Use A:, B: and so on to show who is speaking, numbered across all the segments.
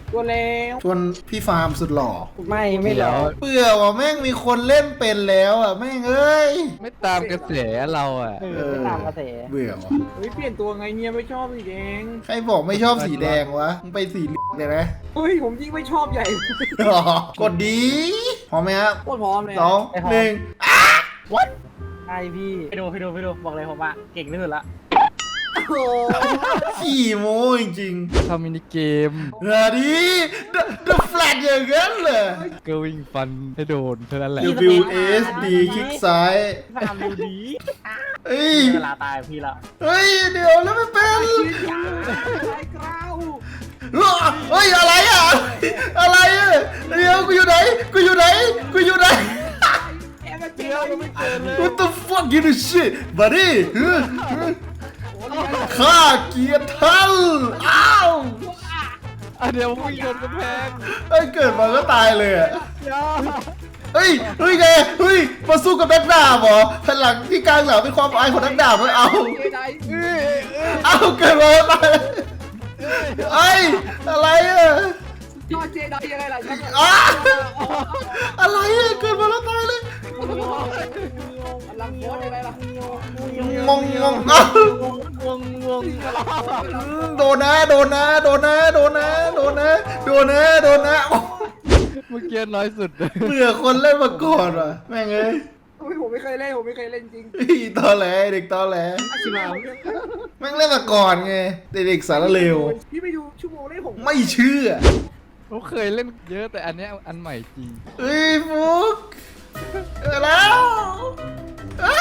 A: ตัวแล้ว
B: ชวนพี่ฟาร์มสุดหล่อ
A: ไม่หรอก
B: เบื่อว่ะแม่งมีคนเล่นเป็นแล้วอ่ะแม่งเอ้ย
C: ไม่ตามกระแสเราอ่ะ
A: ไม่ตามกระแส
B: เบื่อว่ะ
A: เฮ้ยเปลี่ยนตัวไงเนี่ยไม่ชอบสีแดง
B: ใครบอกไม่ชอบสีแดงวะมึงไปสีเหลืองเลยนะ
A: เฮ้ยผมยิ่งไม่ชอบใหญ่
B: กดดีพร้อมไหมครับ
A: โคตรพร้อมเลย
B: สองหนึ่ง
A: ใช่พี่ไปดูบอกเลยผมอะเก่งที่สุดละ
B: ขี้โม้จริง
C: ทำมินิเกม
B: ๆนาดีเดอะแฟลตอย่างนั้นเลย
C: ก็วิ่งฟันให้โดนเท่านั้นแหละ
B: WSD คลิกซ้าย
A: ฟาร์มดูดี
B: เอ้ย
A: เวลาตายพี่ละ
B: เฮ้ยเดี๋ยวแล้วไม่เป็น
A: ยาไอ้กราว
B: เฮ้ยอะไรอ่ะอะไรอ่ะเดี๋ยวกูอยู่ไหนกูอยู่ไหนกูอยู่ไหน
A: แอบมาเจอไม่เจอเลย
B: What the fuck you do shit buddy ข้าเกียรติท่านอ้าว
C: เดี๋ยววิ่งโดนกำแพง
B: เฮ้ยเกิดมาก็ตายเลยอ่ะเฮ้ยไงเฮ้ยมาสู้กับนักดาบเหรอพลังที่กลางหลังเป็นความอายของนักดาบไม่เอาเอาเกิดมาก็ตายเอ้ยอะไรอ่ะ
A: นอเจไดยังไงล่ะ
B: อ้าอะไรอ่ะเกิดมาแล้วตายเลย
A: ลังโคตรยังไงล่ะ
B: งงอ้าว
A: งง
B: โดนนะโดนนะโดนนะโดนนะโดนนะโดนนะโดนนะ
C: เมื่อกี้น้อยสุด
B: เบื่อคนเล่นมาก่อนว่ะแม่งเอ้ย
A: ผมไม่เคยเล่นจริง
B: ตอแหลเด็กตอแหล
A: ชิมา
B: แม่งเล่นมาก่อนไงเด็กสารเลว
A: พี่ไปดูชั่วโมงเล่นผม
B: ไม่เชื่อ
C: ผมเคยเล่นเยอะแต่อันเนี้ยอันใหม่จริง
B: เฮ้ยฟุกแล้วอ้า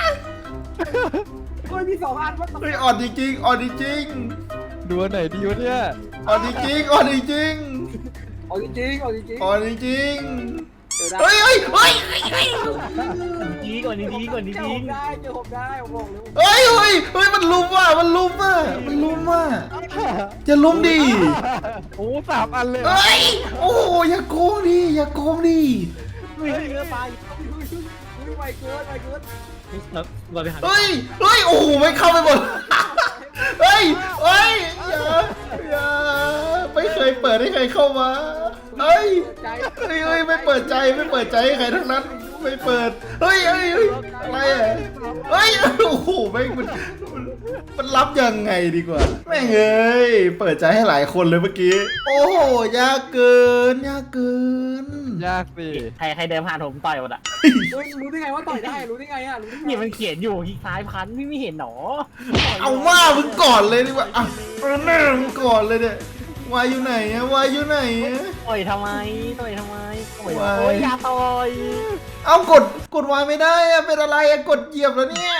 A: เฮ้ยมี2 อันว่า
B: เฮ้ยอ่อนจริงๆอ่อนจริง
C: ดูอันไหนดีวะเนี่ย
B: ๆอ่อนจริงๆอ่อนจริง
A: เอาจริง
B: ๆอ่อนจริง
A: เดี๋ยว
B: ๆ
A: ได้
B: เฮ้ยเฮ้ยเฮ้ย
A: ดีก่อนดีก่อนดีผมได้ผมบอกเลย
B: เฮ้ยเฮ้ยเฮ้ยมันลุมว่ะมันลุมว่ะมันลุมว่ะจะลุมดิ
C: โอ้3 อันเลย
B: เฮ้ยโอ้โหอย่าโกงดิอย่าโกงดิ
A: ไม่เนื้อปลาไม่เกินเราไปหา
B: เฮ้ยเฮ้ยโอ้โหไม่เข้าไปหมดเฮ้ยเฮ้ยอย่าไม่เคยเปิดให้ใครเข้ามาเฮ้ย
A: ใจ
B: เฮ้ยไม่เปิดใจไม่เปิดใจให้ใครทั้งนั้นไม่เปิดเฮ้ยอะไรอ่ะเฮ้ยโอ้โหไม่มันรับยังไงดีกว่าแม่งเอ้ยเปิดใจให้หลายคนเลยเมื่อกี้โอ้โหยากเกินยากเกิน
C: ยากสิ
A: ใครเดินผ่านผมต่อยหมดอ่ะรู้ได้ไงว่าต่อยได้รู้ได้ไงอ่ะรู้ได้ไงนี่มันเขียนอยู่คลิกซ้ายพันไม่เห็นหรอ
B: เอาว่ามึงก่อนเลยดีกว่าอ่ะแม่มึงก่อนเลยเนี่ยวายอยู่ไหนอะวายอยู่ไหนอะ
A: ต่อยทำไมโอ้ยอย่าต่อย
B: เอากดวายไม่ได้อะเป็นอะไรอะกดเหยียบแล้วเนี่ย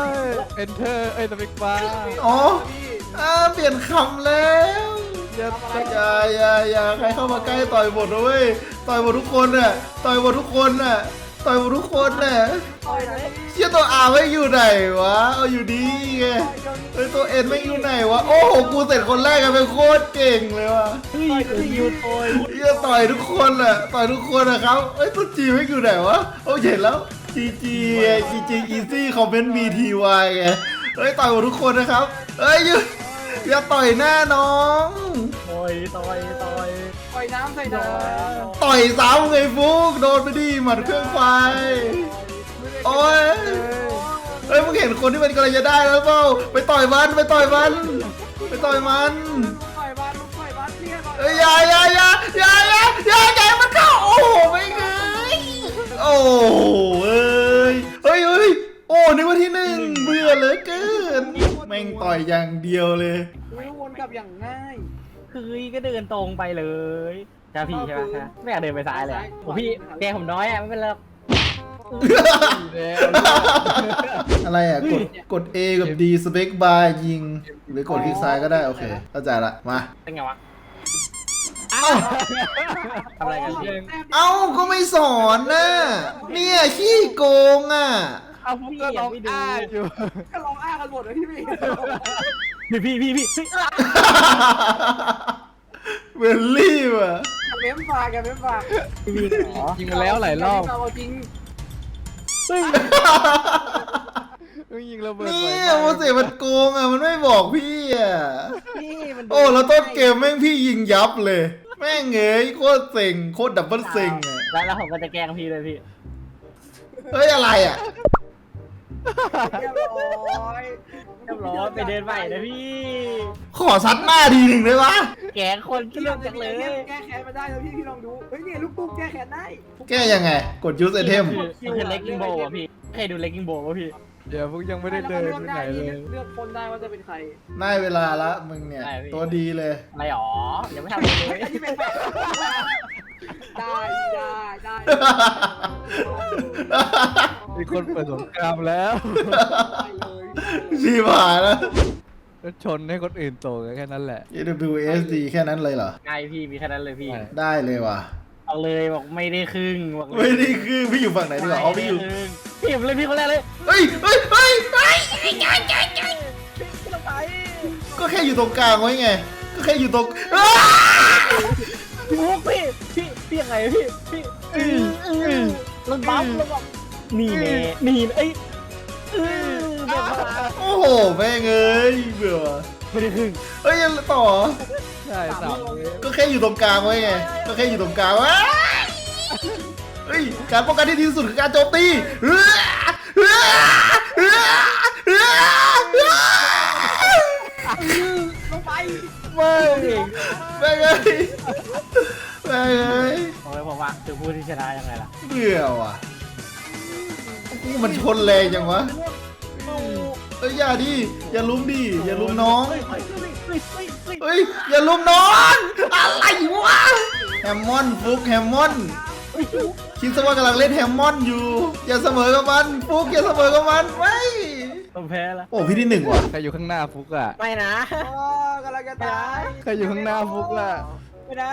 C: Enter สเปกบาร์
B: อ๋อเปลี่ยนคำแล้วอย่าใครเข้ามาใกล้ต่อยหมดนะเว้ยต่อยหมดทุกคนน่ะต่อยหมดทุกคนน่ะต่อยหมดทุกคนน่ะ
A: ต่อยไหน
B: เชี่ยตัวอาไม่อยู่ไหนวะเอาอยู่ดีไงเฮ้ยตัวเอ็นไม่อยู่ไหนวะโอ้โหกูเสร็จคนแรกกันเป็นโคตรเก่งเลยวะ
A: เฮ้ยยูต่อย
B: เฮียต่อยทุกคนน่ะต่อยทุกคนนะครับเอ้ยตัวจีไม่อยู่ไหนวะโอ้เห็นแล้วจีอีซี่คอมเมนต์ BTY ไงเฮ้ยต่อยหมดทุกคนนะครับเฮ้ยอย่าต่อยหน้าน้อง
A: ต่อยน้ำใส่น้ำ
B: ต่อยซ้ำไงฟุกโดนไปดิหมัดเครื่องไฟโอ้ยเฮ้ยมึงเห็นคนที่มันกำลังจะได้แล้วเปล่าไปต่อยมันไปต่อยมันไปต่อยมัน
A: ต่อยบ้านเนี่ย
B: เอ้ยอย่ามันเข้าโอ้โหไม่เงยโอ้เอ้ยโอ้นึกว่าที่ 1เบื่อเหลือเกินแม่งต่อยอย่างเดียวเลย
A: ไม่วนกลับอย่างง่ายคือก็เดินตรงไปเลยจ้าพี่ใช่ไหมไม่อยากเดินไปซ้ายเลยผมพี่แกผมน้อยอ่ะไม่เป็นไร
B: อะไรอ่ะกด A กับ D สเปคบาร์ยิงหรือกดคลิกซ้ายก็ได้โอเคเข้าใจละมา
A: เป็นไงวะ
B: เอ้า
A: ทำอะไรกัน
B: เอ้าก็ไม่สอนนะเนี่ยขี้โกงอ่ะ
C: เอาพวกก็ร้องอ้าอยู่
A: ก็ร้องอ้ากันหมดเลยพี่พี่
B: เวลลี่ว่ะ
A: เม้มฝากพี่หรอ
C: ยิงมาแล้วหลายรอบ
A: จริง
C: ยิงระเบิด
B: เนี่ยโมเสสมันโกงอ่ะมันไม่บอกพี่อ่ะ
A: พี่มัน
B: โอ้แล้วต้นเกมแม่งพี่ยิงยับเลยแม่งเงยโคตรเซ็งโคตรดับเบิลเซ็งอะ
A: แล้วผมก็จะแกล้งพี่เลยพี่
B: เฮ้ยอะไรอ่ะ
D: เรียบร้อย
A: เรียบร้อยไปเดินใหม่นะพี่
B: ขอซัดหน้าทีหนึ่งได้ปะ
A: แกล้งคนเกลียดจังเลย
D: แก้แค้นมาได้แล้วพี่ลองดูเฮ้ยเนี่ยลูกตุ้มแก้แค้นได้
B: แก้ยังไง กดยูสไอเทม
A: คือเลกกิ้งโบว์อะพี่เคยดูเลกกิ้งโบว์ป่ะพี่
C: เดี๋ยวพวกยังไม่ได้เดินไปไหนเลย
D: เลือกคนได้ว่าจะเป็นใคร
B: ได้เวลาละมึงเนี่ย ตัวดีเลย
A: อะไรหรอยังไม่ทำเลย
D: ที่เป็นแบบได้ได้
C: มีคนเปิดสงครามแล้ว
D: เลย
B: ชีบหายแล้ว
C: ก็ชนให้คนอื่นโตกันแค่นั้นแหละ
B: AWSD แค่นั้นเลยเหรอ
A: ง่ายพี่มีแค่นั้นเลยพี่
B: ได้เลยว่ะ
A: เอาเลยบอกไม่ได้ครึ่งบอกเลย
B: ไม่ได้คือพี่อยู่ฝั่งไหนดีกว่าเอาพี่อยู่
A: พี่ผมเลยพี่คนแรกเลย
B: เฮ้ยเฮ้ยเฮ้ยเฮ้ย
A: พี่ลงไป
B: ก็แค่อยู่ตรงกลางไว้ไง ก็แค่อยู่ตรงอ้า
A: พี่ยังไงพี่ลงปั๊มลงปั๊มนี่เน่นี่เอ้ยเดี๋ยวมา
B: โอ้โหแม่งเอ้ยเบื่อว่ะ
A: ไม่ได้ครึ่ง
B: เฮ้ยยังต่อ
C: ใช่สามเมตร
B: ก็แค่อยู่ตรงกลางไว้ไง ก็แค่อยู่ตรงกลางว้ายเฮ้ย การป้องกันที่ดีที่สุดคือการโจมตีเฮ้ยเฮ้ยเฮ้ยเฮ้ย
D: ลงไป
A: ไม่
B: แม่งเอ้ยแม่งเอ้ย
A: โอ้ยผมว่าคือผู้ที่ชนะยังไงล่ะ
B: เบื่อว่ะกูมันชนแรงจังวะเอ้ยอย่าดิอย่าลุมดิอย่าลุมน้อง เฮ้ยอย่าลุมน้องอะไรวะแฮมมอนฟุกแฮมมอนคิดซะว่ากำลังเล่นแฮมมอนอยู่ อย่าเสมอกับมันฟุกอย่าเสมอกับมันไม่
A: ต้องแพ้ละ
B: โอ้พี่ที่หนึ่งว่ะ
C: ใครอยู่ข้างหน้าฟุกอ่ะ
A: ไม่นะ
D: กำลังจะตาย
C: ใครอยู่ข้างหน้าฟุกอ่ะ
A: ไม่นะ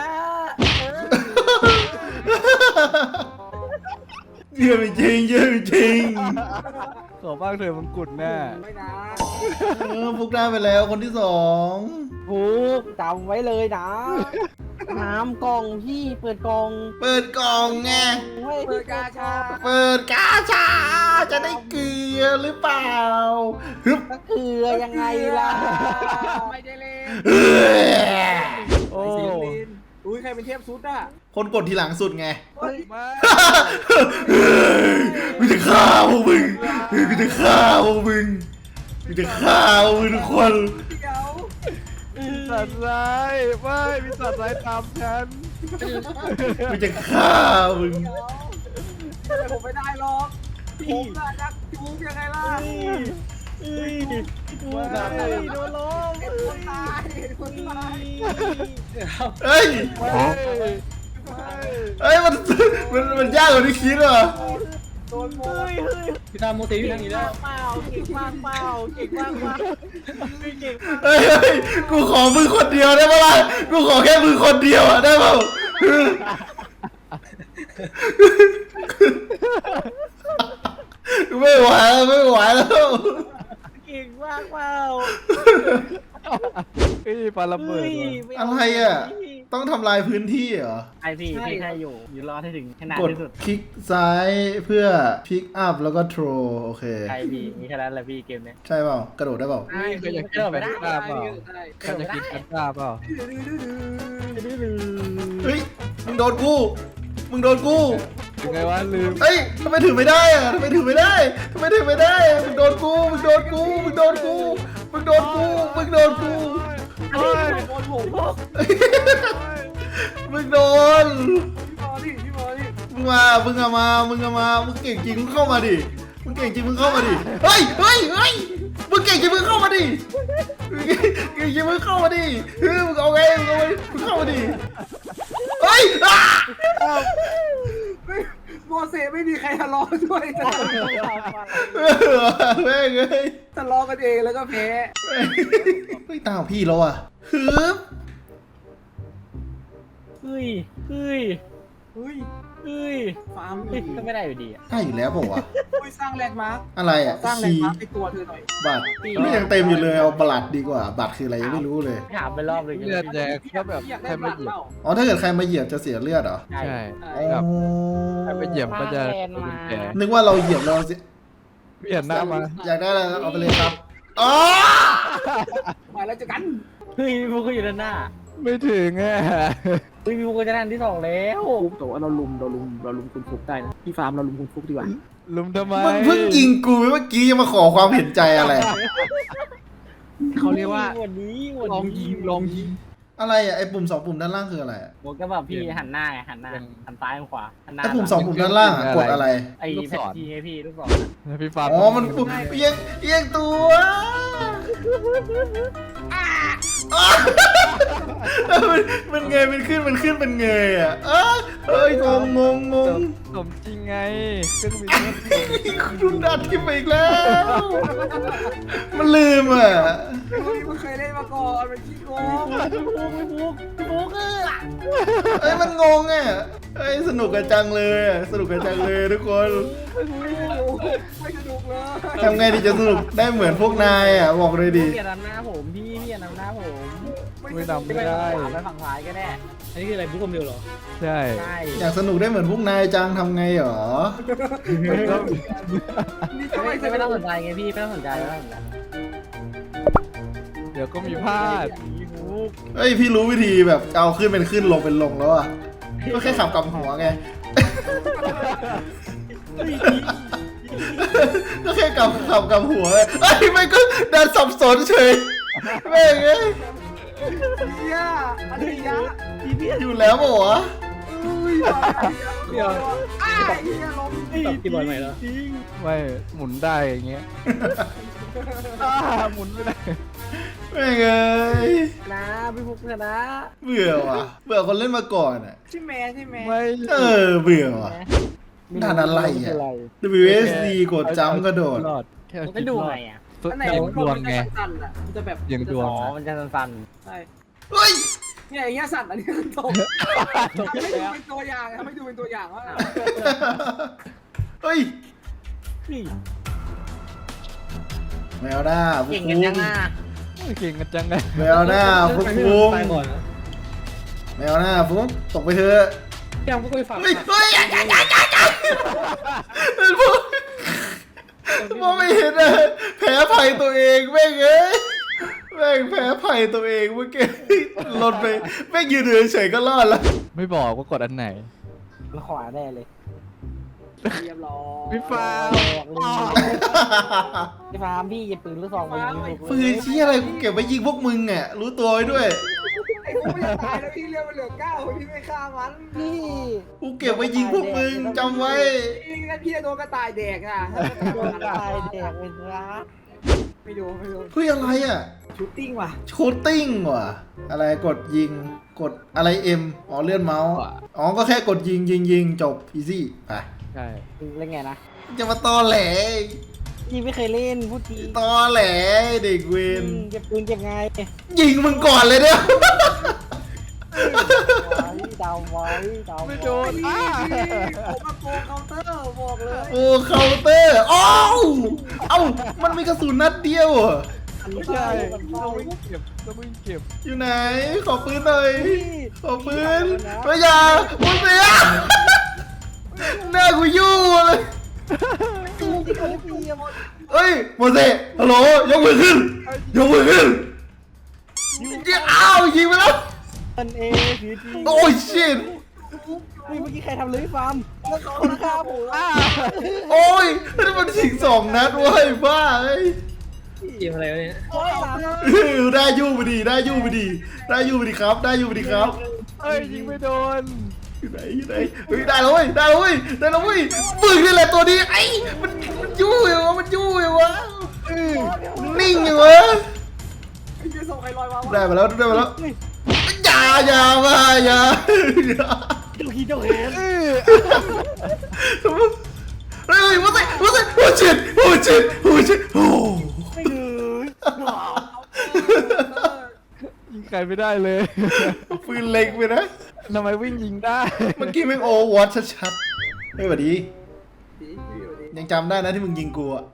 B: เยี่ยมจริงเยี่ยมจริง
C: ขอบ้างเถอะมังกุฎแน่
D: ไม่นะ
B: ฟุกได้ไปแล้วคนที่สอง
A: ผูกจำไว้เลยนะน้ำกล่องพี่เปิดกล่อง
B: เปิดกล่องไง
D: เปิดกาชา
B: เปิดกาชาจะได้เกลือหรือเปล่าฮึบ
A: ก็คือยังไงล่ะ
D: ไม่ได้เล่น
B: เอ้ย
C: โอ้
D: ไม่ได้เล่นอุ้ยใครเป็นเทพซุดอ่ะ
B: คนกดทีหลังสุดไง
D: เฮ้ย
C: มา
B: เฮ้ยกูจะฆ่าพวกมึงกูจะฆ่าพวกมึงกูจะฆ่าพวกมึงทุกคน
D: เดี๋ยว
C: สัตว์ร้ายไม่มีสัตว์ร้ายตามฉัน
B: กูจะฆ่ามึง
D: แต่ผมไม่ได้หรอกผมน่ะนักจูบยังไงล่ะ
A: โดนล้ม
D: เห็นคนตายเห็นคนตาย
B: เฮ้ย
C: ไม่ไม่
B: เฮ้ยมันยากกว่าที่คิดว่ะ
D: โดนโมย
A: พี่ตามโมตีพี่ทางนี้แล้วเปล่าเก่งมากเปล่าเก่งมากเปล่าเก่งมาก
B: เฮ้ยกูขอมึงคนเดียวได้ปะล่ะกูขอแค่มึงคนเดียวอะได้เปล่าไม่ไหวแล้วไม่ไหวแล้ว
A: เก่งมากเปล่า
C: เฮ้ยปาระเบิดว่ะ
B: อะไรอ่ะต้องทำลายพื้นที่เหรอ
A: ไอพี่แค่อยู่รอดให้ถึงขนาด
B: กด
A: ที่สุด
B: คลิกซ้ายเพื่อพิกอัพแล้วก็โทรโอเค
A: ไอพี่มีแค่นั้นแหละพี่เกมเนี้ย
B: ใช่เปล่ากระโดดได้เปล่า
C: เฮ้ยใครอยากกินแฟนต้าเปล่าใครอยากกินแฟนต้าเปล่า
B: เฮ้ยมึงโดนกูมึงโดนกู
C: ยังไงวะลืม
B: เฮ้ยทำไมถือไม่ได้อะทำไมถือไม่ได้ทำไมถือไม่ได้มึงโดนกูมึงโดนกูมึงโดนกูมึงโดนกูมึงโดนกู
D: โดนผม
B: มึงโดน
D: พี่บอลดิ
B: มึงมามึงอะมามึงอะมามึงเก่งจริงมึงเข้ามาดิมึงเก่งจริงมึงเข้ามาดิเฮ้ยเฮ้ยเฮ้ยมึงเก่งจริงมึงเข้ามาดิมึงเก่งจริงมึงเข้ามาดิเฮ้ยมึงเอาไงมึงเอาไงมึงเข้ามาดิเฮ้ยอ่ะ
D: โมเสสไม่มีใครทะเลาะด้วยจะ
B: แม่งเอ้ย
D: ทะเลาะกันเองแล้วก็แพ้
B: เฮ้ยตามพี่แล้วอ่ะฮึบ
A: เฮ้ยเฮ้ย
D: เฮ้ย
A: เฮ้ย
D: ฟาร์ม
A: เฮ้ยก็ไม่ได้อยู่ดีอ่ะ
B: ได้อยู่แล้วเปล่าวะ
D: สร้างแลนด์มาร์ค
B: อะไรอ่ะ
D: สร้างแลน
B: คี
D: ด์มาร์คในตัวเธอหน่อย
B: บัตรนี่ยังเต็มอยู่เลยเอาบัตรดีกว่าบัตรคืออะไรยังไม่รู้เลย
A: ถามไปรอบเลย
C: เลือดแดงก็แบบใครมาเหยียบ
B: อ๋อถ้าเกิดใครมาเหยียบจะเสียเลือดเหรอ
C: ใช่
B: อ๋
C: แบบ
B: อ
C: ใครมาเหยียบก็จะโดนแผล
B: นึกว่าเราเหยียบเราเสีย
C: เปลี่ยนหน้ามา
B: อยากได้อะไรเอาไปเลยครับอ๋อ
D: มาแล้วเจอกัน
A: เฮ้ยพวกกูอยู่ด้านหน้า
C: ไม่ถึงอ่ะ
A: พี่ฟุกก็จะได้อันที่สองแล้ว
D: ฟุกแต่ว่าเราลุมคุณฟุกได้นะพี่ฟาร์มเราลุมคุณฟุกดีกว่า
C: ลุมทำไม
B: มึงเพิ่งยิงกูเมื่อกี้ยังมาขอความเห็นใจอะไร
D: เขาเรียกว่า
A: วันนี้
D: ลองยิง
B: อะไรอ่ะไอ้ปุ่ม2 ปุ่มด้านล่างคืออะไรอะ
A: ผมก็แบบพี่หันหน้าไงหันหน้าหันซ้ายหันขวาหันหน้า
B: ไอ้ปุ่ม2 ปุ่มด้านล่างอะกดอะไร
A: ไอ้แพททีไงพี่ลูกศร
C: พี่ฟาร์ม
B: อ๋อมันปุ่มเอียงตัวมันเงยมันขึ้นเป็นเงยอ่ะเอ้ยงง
C: สมจริงไงเครื่องบิน
B: คุณดัดขึ้นไปอีกแล้ว มันลืมอ่ะ
D: มันเคยเล่นมาก่อนมันขี้โกง
A: พี่ฟุก
B: เอ้ยมันงงอ่ะเอ้ยสนุกกันจังเลยอะสนุกกันจังเลยทุกคน
D: ไม่สนุกเลย
B: ทำไงดีจะสนุกได้เหมือนพวกนายอ่ะบอกเลยดิ
A: พี่อย่านำหน้าผมพี่อย่านำหน้าผม
C: ไม่นำไม่
A: ไป
C: ได้
A: ฝั่งซ้ายก็ได้อันนี้คืออะไรบุ๊กคอมเดียวเหรอ
C: ใช่
A: ใช่
B: อยากสนุกได้เหมือนพวกนายจังทำไงหรอ
D: นี่จะไม่ส
A: ไม่
D: นุ
A: ต้อง
D: ก
A: สนใจไงพี่ไม่ต้องสนใจไม่ต้องสนใจ
C: เดี๋ยวก็มีพลาด
A: พี่ฟุก
B: เอ้ยพี่รู้วิธีแบบเอาขึ้นเป็นขึ้นลงเป็นลงแล้วอ่ะก็แค่ขับกลับหัวไง ก็แค่ขับกลับหัวไงเอ้ยไม่ก็ดันสับสนเฉยแม่งเอ้ย
D: เฮียอันนี้ยะ
B: อยู่แล้วปะวะ
A: เดี๋ยว
D: อ้าวเฮียล้ม
A: ตบกี่บอลใหม่แล้ว
C: ไม่หมุนได้อย่างเงี้ยหมุนไม่ได้
B: แม่งเอ้ย
A: นะพี่ฟุกชนะ
B: เบื่อว่ะเบื่อคนเล่นมาก่อนอ่ะ
D: ใช่ไหม
C: ไม่
B: เบื่อว่ะ ด่านอะไรอ่ะ WSD กดจ้ำกระโดด
C: รอดแค่
A: ไม่ดูไงอ่ะ
D: อันไหน
C: ยัง
D: มัน
C: ดวงไง
D: สั่นๆอ่ะมันจะแบบ
C: ยังดวง
A: อ๋อมันจะสั่น
D: ใช่
B: เฮ้ย
D: เนี่ยอย่างเงี้ยสั่นอันนี้คือตกทำให้ดูเป็นตัวอย่างทำให้ดูเป็นตัวอย่างว่า
B: เฮ้ย
A: ๆนี่
B: แมวหน้าฟุ
A: เก่
B: ก
A: งกัน
B: ฟุ้
A: ยัง งอ่ะ
C: เก่งกันจังไง
B: แมวหน้าฟุกฟุ้ง
A: ไปก่อนนะ
B: แมวหน้าฟุ้งตกไปเถอะ
A: ยังไม่เคยฟัง
B: เฮ้ยอย่าเป็นพวกมองไม่เห็นอะแพ้ภัยตัวเองแม่งเอ้ยแม่งแพ้ภัยตัวเองเมื่อกี้หล่นไปแม่งยืนเฉยๆก็รอดแล้ว
C: ไม่บอกว่ากดอันไหน
A: มันขวาแน่เลย
D: เรียบร้อย
C: พี่ฟ้า
A: พี่ฟาร์มพี่หยิบปืนลูกซองไปยิง
B: ปืนชี้อะไรกูเก็บไว้ยิงพวกมึงอ่ะรู้ตัวไว้ด้วย
D: ไอ้พวกมันจะตายแล้วพี่เรียกมันเหลือ9พี่ไม่ฆ่ามัน
A: นี่
B: กูเก็บไว้ยิงพวกมึงจำไว้
D: พี่งั้นพี่จะโดนกระต่ายแดกอ่ะ
A: โดนตายแดกเป็นรัก
D: ไม่ดู
B: เฮ้ยอะไรอ่ะ
D: ชูตติ้งว่ะ
B: โชตติ้งว่ะอะไรกดยิงกดอะไรเอ็มอ๋อเลื่อนเมาส์อ๋อก็แค่กดยิงจบอีซี่ไป
C: ใช่
A: เล่นไงนะ
B: จะมาตอแหล
A: พี่ไม่เคยเล่นพูดที
B: ตอแหลเด็กเวร
A: เก็บปืนเก็บไง
B: ยิงมึงก่อนเลยเนี่ย
A: ดาวไว้ดาว
C: ไม่โดน
D: ผมมาโกงเคาน์เตอร์บอกเลย
B: โอ้เคาน์เตอร์อ้าวเอ้ามันมีกระสุนนัดเดียวเหรอ
C: ไม่ใช่ต้องวิ่งเก็บต้องวิ่งเก็บ
B: อยู่ไหนขอปืนหน่อยขอปืนไม่อยามึงเสียหน้ากูยู่เลยเฮ้ยโมเสสฮัลโหลยกมือขึ้นยกมือขึ้นอ้าวยิงไปแล้ว
A: มันเอสีจี
B: โอ้ยชิต
A: เมื่อกี้ใครทำเลยฟาร์มแล้วเขาฆ่าผม
B: โอ้ยนี่มันสิง2 นัดเว้ยบ้าเอ้ย
A: เกมอะไรเนี่ยโอ้ย
B: ได้ยู่ไปดีได้ยู่ไปดีได้ยู่ไปดีครับได้ยู่ไปดีครับ
C: เอ้ยยิงไม่โดน
B: อยู่ไหนเฮ้ยได้แล้วเว้ยได้แล้วเว้ยได้แล้วเว้ยมึงนี่แหละตัวนี้ไอ้มันยู่อยู่วะมันยู่อยู่วะนิ่งอยู่วะ
D: ไอ้เจ๊ส่งใครลอยมา
B: ได้มาแล้วอย่ามาอย่า
A: เจ้าขี้เจ้าแขน
B: เฮ้ยว่าสิโอ้ชิตโอ้
A: ไม่เลย
C: ยิงใครไม่ได้เลย
B: ปืนเล็กไปนะ
C: ทำไมวิ่งยิงได้
B: เมื่อกี้แม่งโอวอตชัดๆเฮ้ยสวัสดียังจำได้นะที่มึงยิงกูอ่ะ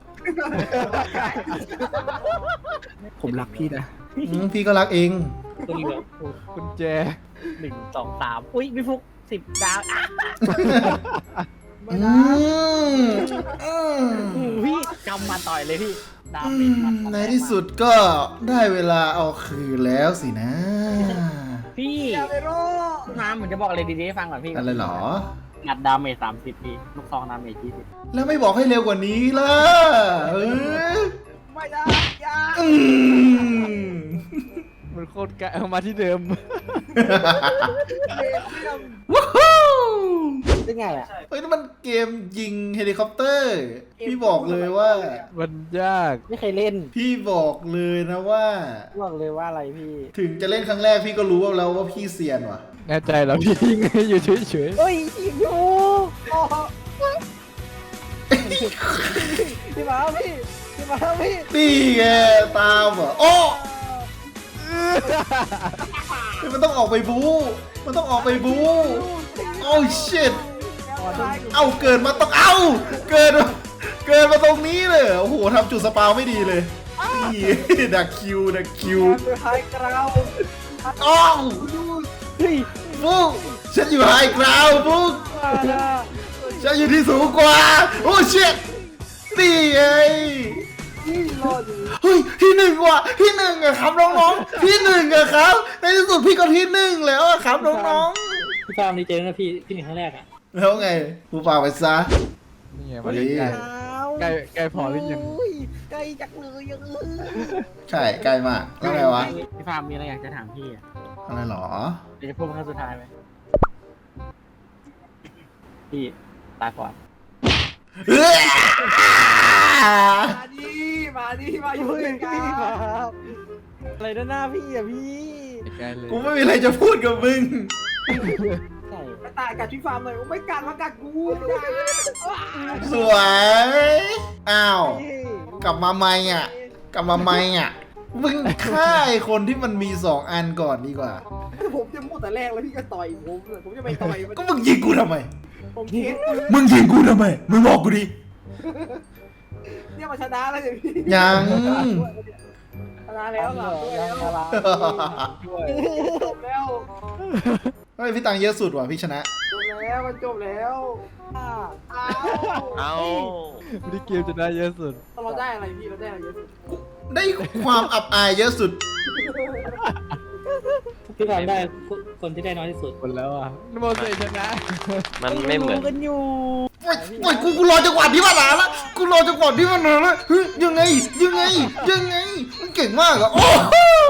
D: ผมรักพี่นะ
B: พี่ก็รักเอง
A: ตัวนี้เหรอ
C: กุญแจ
A: 1 2 3อุ้ยพี่ฟุก10 ดาวอ่ะพี่กำมาต่อยเลยพี่ดาวเป็น
B: ในที่สุดก็ได้เวลาเอาคืนแล้วสินะ
A: พี่
D: อย่าไปโร่
A: น้ำผมจะบอกอะไรดีๆให้ฟังก่อนพี่
B: อะไรเหรอ
A: งัดดาเมจ30พี่ลูกซองดาเมจ20
B: แล้วไม่บอกให้เร็วกว่านี้ล่ะเออ
D: ไม่ได้อย่า
B: อืม
C: มันโคตรไกลเอามาที่เดิม
D: เรียนเรื่อง
B: ว้าว
A: ได้ไงอ่ะ
B: เฮ้ยนั่นมันเกมยิงเฮลิคอปเตอร์ พี่บอกเลยว่า
C: มันยาก
A: ไม่เคยเล่น
B: พี่บอกเลยนะว่า
A: บอกเลยว่าอะไรพี่
B: ถึงจะเล่นครั้งแรกพี่ก็รู้แล้วว่าพี่เซียนว่ะ
C: แน่ใจเหรอพี่ยิงให้อยู่เฉย
A: เฮ้ยทีมอยู่
D: โอ้โห
A: พี่มาพี่พี่มาพี่
B: นี่ไงตามอ่ะโอ้เฮ้ยมันต้องออกไปบู๊มันต้องออกไปบู๊โอ้ชิตเอาเกิดมาต้องเอาเกิดมาตรงนี้เลยโอ้โหทำจุดสปาวไม่ดีเลยนี่ดักคิวดักคิว
D: คือไฮกราว
B: อ้าว
A: เฮ้ย
B: บุ๊กฉันอยู่ไฮกราวด์บุ๊กฉันอยู่ที่สูงกว่าโอ้ชิตนี่ไง
D: ที่รออยู่
B: เฮ้ยที่หนึ่งว่ะที่หนึ่งอะครับน้องๆที่หนึ่งอะครับในที่สุดพี่ก็ที่หนึ่งแล้วอะครับน้อง
A: พี่ฟาร์มนี่เจอนะพี่หนึ่งครั้งแรกอ่ะ
B: ๆแล้วไงกูป่าไปซะ
C: ๆนี่ไงมันใกล้ใกล้พอหรือยัง
D: ใกล้จักเลยยัง
B: ใช่ใกล้มากแล้วไงวะ
A: พี่ฟาร์มมีอะไรอยากจะถามพี่อ่ะ
B: อะไรหรอ
A: เดี๋ยวจะพูดครั้งสุดท้ายไหมพี่ตาก่อน
B: เอ้ย
D: มาดิมาอยู่ด้วยกัน
A: อะไรด้านหน้าพี่อ่ะพี่
C: ใกล้เลย
B: กูไม่มีอะไรจะพูดกับมึง
A: ใช่
D: มาตายกัดพี่ฟาร์มเลยไม่กัดมากัดกู
B: สวยอ้าวกลับมาไหมอ่ะกลับมาไหมอ่ะมึงฆ่าไอ้คนที่มันมี2 อันก่อนดีกว่า
D: ผมจะพูดแต่แรกแล้วพี่ก็ต่อยผมจะไปต่อย
B: ก็มึงยิงกูทำไม
D: ผมเทส
B: มึงยิงกูทำไมมึงบอกกูดิ
D: เนี่ยมาชนะแล้วเลยพี่
B: ยัง
D: ชนะแล้วหลับด้วยแล้ว
A: ด้วย
D: จบแล้ว
B: เฮ้ยพี่ตังเยอะสุดว่ะพี่ชนะ
D: จบแล้วมันจบแล้วอ้าว
C: ไม่ได้เกมจะได้เยอะสุด
D: เราได้อะไรพี่เราได้อะไรเยอะสุด
B: ได้ความอับอายเยอะสุด
A: พี่ฟาร์มได้คนที่ได้น้อยที่สุด
C: หมดแล้วอ่ะนโมเสกชนะ
E: มันไม่เหมือน
A: กันอยู่
B: ปล่อยกูรอจังหวะที่มันหนาละกูรอจังหวะที่มันหนาละเฮ้ยยังไงมันเก่งมากอะโอ้โห